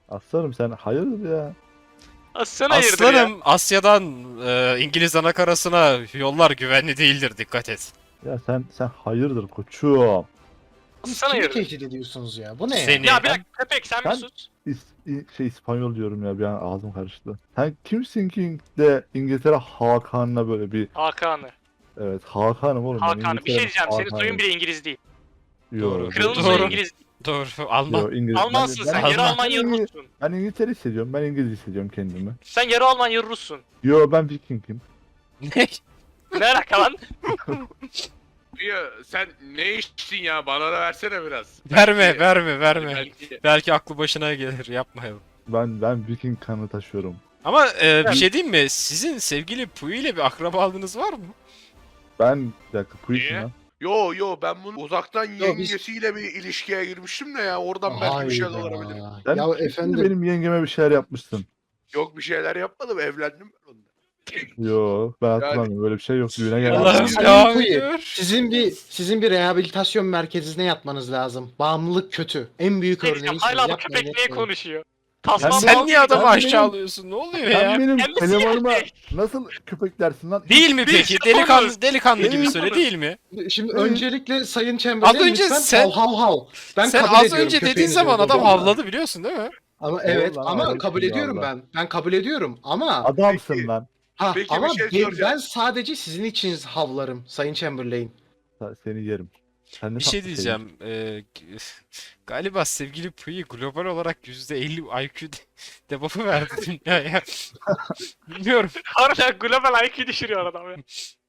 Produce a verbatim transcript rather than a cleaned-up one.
Aslanım sen hayırdır ya? Aslan hayırdır ya. Aslanım Asya'dan e, İngiliz anakarasına yollar güvenli değildir, dikkat et. Ya sen sen hayırdır koçum? Aslan Siz kimi hayırdır. tehdit ediyorsunuz ya? Bu ne ya? Seni. Ya bir dakika köpek sen bir Ben- sus. İs, İ- şey İspanyol diyorum ya bir an ağzım karıştı. Sen kimsin ki de İngiltere Hakan'la böyle bir Hakan'ı. evet Hakan'ım oğlum. ben Hakan'ı. Bir şey İngiltere'nin diyeceğim. Senin Hakan'ıyım. soyun bile İngiliz değil. Yo, Doğru. Kralın Doğru. soyu İngiliz değil. Doğru, Alman. Yo, İngiliz. Almansın ben, sen. ben, Yarı Alman. Alman yarı ben, Rus'sun. ben İngiltere hissediyorum. Ben İngiliz hissediyorum kendimi. Sen yarı Alman yarı Rus'sun. Yo ben Viking'im. Ne? Ne alaka lan? Ya sen ne içtin ya? Bana da versene biraz. Verme, Belki- verme, verme. Belki. Belki aklı başına gelir, yapmayalım. Ben ben Viking kanı taşıyorum. Ama e, bir şey diyeyim mi? Sizin sevgili Puyi ile bir akrabalığınız var mı? Ben bir dakika bu işim Niye? lan. Yo yo ben bunu uzaktan biz- yengesiyle bir ilişkiye girmiştim de ya oradan belki bir şeyler Hayda. olabilir. Sen Ya kimsin de efendim benim yengeme bir şeyler yapmışsın. Yok bir şeyler yapmadım, evlendim ben onunla. Yo ben hatırlamıyorum böyle bir şey yok düğüne gelmedim. Allah'ım Sayın devam Puyi, ediyor. sizin bir sizin bir rehabilitasyon merkezine yatmanız lazım. Bağımlılık kötü. En büyük Ne diyeceğim? örneği Hala bu yapmayın, köpek niye yapmayın. konuşuyor? Tasman Ben- Sen bağlı niye gibi adamı Ben benim- aşağılıyorsun? Ne oluyor Sen ya? benim Kendisi elemanıma erkek. nasıl köpek dersin lan? Değil mi Biz peki? de Delikanlı konuşuyoruz. delikanlı gibi Değil söyle, mi? değil mi? Şimdi Hı. öncelikle Sayın Chamberlain Az önce lütfen sen- hav hav hav. Ben Sen kabul az ediyorum önce dediğin köpeğinizi zaman adam öldürdüğünü. havladı, biliyorsun değil mi? Ama evet Doğru lan, ama evet, kabul ya ediyorum Allah. ben. Ben kabul ediyorum ama Adamsın Peki. lan. ha, Peki, ama bir şey ben, soracağım. ben sadece sizin için havlarım Sayın Chamberlain. Sa- Seni yerim. Sen ne Bir şey tatlı diyeceğim. Ee, g- galiba sevgili Puyi global olarak yüzde elli I Q de- debuff'u verdi dünyaya. Bilmiyorum. Harbiden global I Q düşürüyor adam ya.